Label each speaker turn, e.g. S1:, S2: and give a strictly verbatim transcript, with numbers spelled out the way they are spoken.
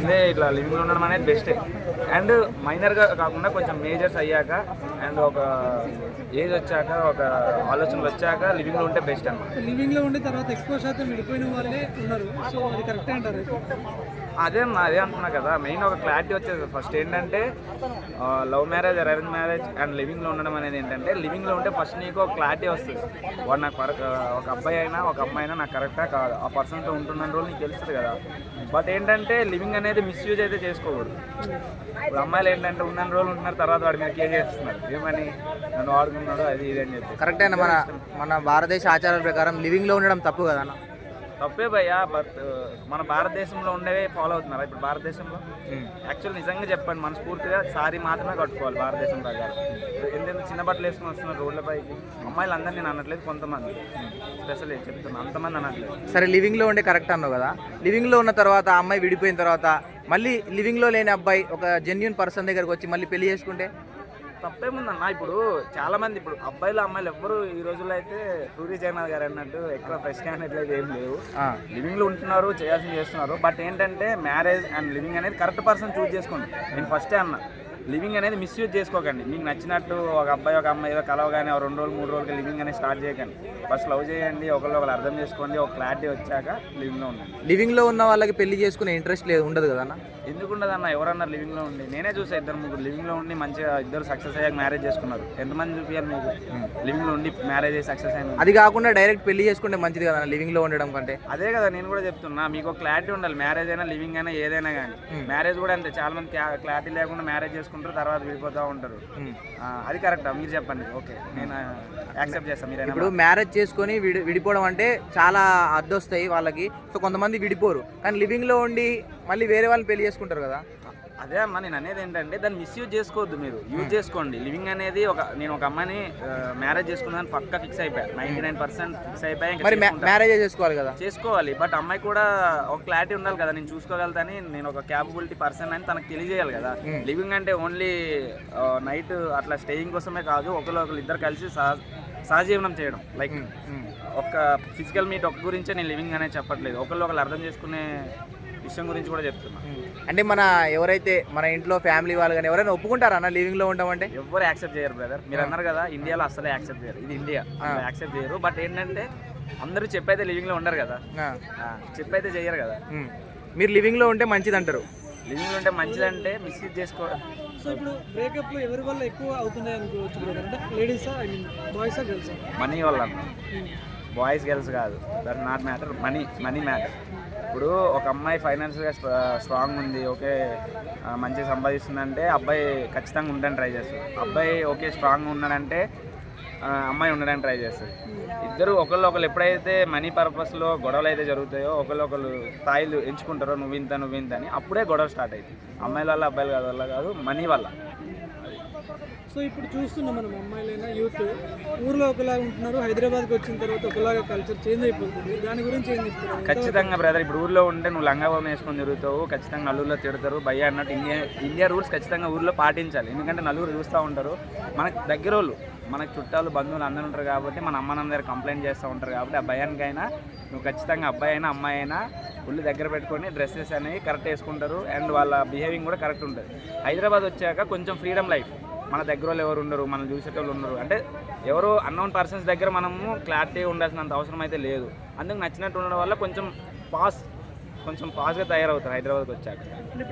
S1: ముందే ఇట్లా లివింగ్లో ఉండడం అనేది బెస్టే. అండ్ మైనర్గా కాకుండా కొంచెం మేజర్స్ అయ్యాక అండ్ ఒక ఏజ్ వచ్చాక ఒక ఆలోచనలు వచ్చాక లివింగ్లో ఉంటే బెస్ట్ అన్నమాట.
S2: లివింగ్లో ఉండే తర్వాత ఎక్కువ శాతం విడిపోయిన వాళ్ళే ఉన్నారు. సో అది కరెక్టే అంటారు.
S1: అదే అన్న అదే అంటున్నా కదా, మెయిన్ ఒక క్లారిటీ వచ్చేది. ఫస్ట్ ఏంటంటే love marriage arrange marriage and లివింగ్లో ఉండడం అనేది ఏంటంటే, లివింగ్లో ఉంటే ఫస్ట్ నీకు ఒక క్లారిటీ వస్తుంది. వాడు నాకు ఒక అబ్బాయి అయినా ఒక అమ్మాయి అయినా నాకు కరెక్టా కాదు, ఆ పర్సన్తో ఉంటున్న రోజు నీకు తెలుస్తుంది కదా. బట్ ఏంటంటే లివింగ్ అనేది మిస్యూజ్ అయితే చేసుకోకూడదు. ఇప్పుడు అమ్మాయిలు ఏంటంటే ఉన్న రోజులు ఉంటున్నారు, తర్వాత వాడి మీద కేర్ చేస్తున్నారు, ఏమని నన్ను వాడుకున్నాడు అది ఇది అని చెప్పి.
S3: కరెక్టే అన్న. మన మన భారతదేశ ఆచారాల ప్రకారం లివింగ్లో ఉండడం తప్పు కదా అన్న?
S1: తప్పే భయ్యా, బట్ మన భారతదేశంలో ఉండేవే ఫాలో అవుతున్నారా ఇప్పుడు భారతదేశంలో? యాక్చువల్ నిజంగా చెప్పండి, మనస్ఫూర్తిగా సారీ మాత్రమే కట్టుకోవాలి భారతదేశం ప్రకారం. ఎందుకంటే చిన్న బట్టలు వేసుకుని వస్తున్నారు రోడ్లపైకి. అమ్మాయిలు అందరినీ నేను అనట్లేదు, కొంతమంది స్పెషల్ చెప్తున్నాను, అంతమంది అనట్లేదు.
S3: సరే, లివింగ్లో ఉండే కరెక్ట్ అన్నావు కదా. లివింగ్లో ఉన్న తర్వాత ఆ అమ్మాయి విడిపోయిన తర్వాత మళ్ళీ లివింగ్లో లేని అబ్బాయి ఒక జెన్యూన్ పర్సన్ దగ్గరకు వచ్చి మళ్ళీ పెళ్లి చేసుకుంటే
S1: తప్పేముందన్న? ఇప్పుడు చాలా మంది ఇప్పుడు అబ్బాయిలు అమ్మాయిలు ఎవ్వరు ఈ రోజుల్లో అయితే పూరి జగన్నాథ్ గారు అన్నట్టు ఎక్కువ ఫ్రెష్ అనేట్లయితే ఏం లేవు. లివింగ్లో ఉంటున్నారు, చేయాల్సింది చేస్తున్నారు. బట్ ఏంటంటే మ్యారేజ్ అండ్ లివింగ్ అనేది కరెక్ట్ పర్సన్ చూస్ చేసుకోండి. నేను ఫస్టే అన్నా, లివింగ్ అనేది మిస్యూజ్ చేసుకోకండి. మీకు నచ్చినట్టు ఒక అబ్బాయి ఒక అమ్మాయి ఏదో కలవగానే రెండు రోజులు మూడు రోజులకి లివింగ్ అనేది స్టార్ట్ చేయకండి. ఫస్ట్ లవ్ చేయండి, ఒకళ్ళు ఒకరు అర్థం చేసుకోండి, ఒక క్లారిటీ వచ్చాక లివింగ్లో ఉండండి.
S3: లివింగ్లో ఉన్న వాళ్ళకి పెళ్లి చేసుకునే ఇంట్రెస్ట్ లేదు ఉండదు కదా అన్న?
S1: ఎందుకు ఉండదన్న? ఎవరన్నా లివింగ్లో ఉండి, నేనే చూసా ఇద్దరు ముగ్గురు లివింగ్లో ఉండి మంచిగా ఇద్దరు సక్సెస్ అయ్యాక మ్యారేజ్ చేసుకున్నారు. ఎంతమంది చూపించాలి మీకు లివింగ్లో ఉండి మ్యారేజ్ అయ్యి సక్సెస్ అయిన?
S3: అది కాకుండా డైరెక్ట్ పెళ్లి చేసుకుంటే మంచిది కదా లివింగ్లో ఉండడం కంటే.
S1: అదే కదా నేను కూడా చెప్తున్నా, మీకు ఒక క్లారిటీ ఉండాలి. మ్యారేజ్ అయినా లివింగ్ అయినా ఏదైనా కానీ. మ్యారేజ్ కూడా అంతే, చాలా మంది క్లారిటీ లేకుండా మ్యారేజ్ చేసుకుంటారు, తర్వాత విడిపోతూ ఉంటారు. అది కరెక్టా? మీరు చెప్పండి. ఓకే, నేను యాక్సెప్ట్ చేస్తాను. మీరు
S3: ఇప్పుడు మ్యారేజ్ చేసుకొని విడి విడిపోవడం అంటే చాలా అద్దొస్తాయి వాళ్ళకి. సో కొంతమంది విడిపోరు, కానీ లివింగ్లో ఉండి మళ్ళీ వేరే వాళ్ళని పెళ్లి చేసుకుంటారు కదా.
S1: అదే అమ్మా నేను అనేది ఏంటంటే, దాన్ని మిస్యూజ్ చేసుకోవద్దు, మీరు యూజ్ చేసుకోండి. లివింగ్ అనేది ఒక నేను ఒక అమ్మాయిని మ్యారేజ్ చేసుకున్నాను పక్కా ఫిక్స్ అయిపోయా, నైన్టీ నైన్ పర్సెంట్ ఫిక్స్ అయిపోయా.
S3: మరి మ్యారేజ్ చేసుకోవాలి కదా?
S1: చేసుకోవాలి, బట్ అమ్మాయి కూడా ఒక క్లారిటీ ఉండాలి కదా, నేను చూసుకోగలుగుతాని, నేను ఒక క్యాపబిలిటీ పర్సన్ అని తనకు తెలియజేయాలి కదా. లివింగ్ అంటే ఓన్లీ నైట్ అట్లా స్టేయింగ్ కోసమే కాదు, ఒకరు ఒకరు ఇద్దరు కలిసి సహ సహజీవనం చేయడం. లైక్ ఒక ఫిజికల్ మీట్ ఒక గురించే నేను లివింగ్ అనేది చెప్పట్లేదు, ఒకళ్ళు ఒకరు అర్థం చేసుకునే విషయం గురించి కూడా చెప్తున్నా.
S3: అంటే మన ఎవరైతే మన ఇంట్లో ఫ్యామిలీ వాళ్ళు కానీ ఎవరైనా ఒప్పుకుంటారా అన్న లివింగ్లో ఉంటామంటే?
S1: ఎవరు యాక్సెప్ట్ చేయరు బ్రదర్. మీరు అన్నారు కదా ఇండియాలో అసలే యాక్సెప్ట్ చేయరు, ఇది ఇండియా, యాక్సెప్ట్ చేయరు. బట్ ఏంటంటే అందరూ చెప్పైతే లివింగ్లో ఉండరు కదా, చెప్పైతే చేయరు కదా.
S3: మీరు లివింగ్లో ఉంటే మంచిది అంటారు?
S1: లివింగ్లో ఉంటే మంచిదంటే మిస్యూజ్ చేసుకోవడం.
S2: సో ఇప్పుడు బ్రేకప్లు ఎవరి వల్ల ఎక్కువ అవుతున్నాయి అనుకోవచ్చు బ్రదర్? అంటే లేడీసా, ఐ మీన్ బాయ్సా గర్ల్సా?
S1: మనీ వల్ల, బాయ్స్ గర్ల్స్ కాదు, that not matter, money money matter. ఇప్పుడు ఒక అమ్మాయి ఫైనాన్షియల్గా స్ట్రాంగ్ ఉంది, ఓకే మంచిగా సంపాదిస్తుందంటే అబ్బాయి ఖచ్చితంగా ఉండడానికి ట్రై చేస్తాడు. అబ్బాయి ఓకే స్ట్రాంగ్ ఉన్నాడంటే అమ్మాయి ఉండడానికి ట్రై చేస్తుంది. ఇద్దరు ఒకళ్ళు ఒకళ్ళు ఎప్పుడైతే మనీ పర్పస్లో గొడవలు అయితే జరుగుతాయో, ఒకళ్ళు ఒకళ్ళు స్థాయిలు ఎంచుకుంటారో, నువ్వు ఇంత నువ్వు ఇంత అని, అప్పుడే గొడవ స్టార్ట్ అవుతుంది. అమ్మాయిల వల్ల అబ్బాయిల వల్ల కాదు, మనీ వల్ల.
S2: సో ఇప్పుడు చూస్తున్నాం మనం, అమ్మాయిలైనా యూత్ ఊర్లో ఒకలాగా ఉంటున్నారు, హైదరాబాద్కి వచ్చిన తర్వాత ఒకలాగా కల్చర్ చేంజ్ అయిపోతుంది. దాని గురించి ఏం చెప్తారు?
S1: ఖచ్చితంగా బ్రదర్, ఇప్పుడు ఊర్లో ఉంటే నువ్వు లంగా బొమ్మ వేసుకొని తిరుగుతావు, ఖచ్చితంగా నలుగురిలో తిడతారు భయ్య అన్నట్టు. ఇండియా ఇండియా రూల్స్ ఖచ్చితంగా ఊర్లో పాటించాలి, ఎందుకంటే నలుగురు చూస్తూ ఉంటారు. మనకు దగ్గర వాళ్ళు, మనకు చుట్టాలు బంధువులు అందరూ ఉంటారు కాబట్టి, మన అమ్మ నాన్న దగ్గర కంప్లైంట్ చేస్తూ ఉంటారు కాబట్టి, ఆ భయానికైనా నువ్వు ఖచ్చితంగా అబ్బాయి అయినా అమ్మాయి అయినా ఒళ్ళు దగ్గర పెట్టుకొని డ్రెస్సెస్ అనేవి కరెక్ట్ వేసుకుంటారు, అండ్ వాళ్ళ బిహేవింగ్ కూడా కరెక్ట్ ఉంటుంది. హైదరాబాద్ వచ్చాక కొంచెం ఫ్రీడమ్ లైఫ్, మన దగ్గర వాళ్ళు ఎవరు ఉండరు, మనం చూసేటోళ్ళు ఉండరు, అంటే ఎవరో అన్నోన్ పర్సన్స్ దగ్గర మనము క్లారిటీ ఉండాల్సినంత అవసరం అయితే లేదు. అందుకు నచ్చినట్టు ఉండడం వల్ల కొంచెం పాస్ కొంచెం పాస్గా తయారవుతారు హైదరాబాద్కి వచ్చాక.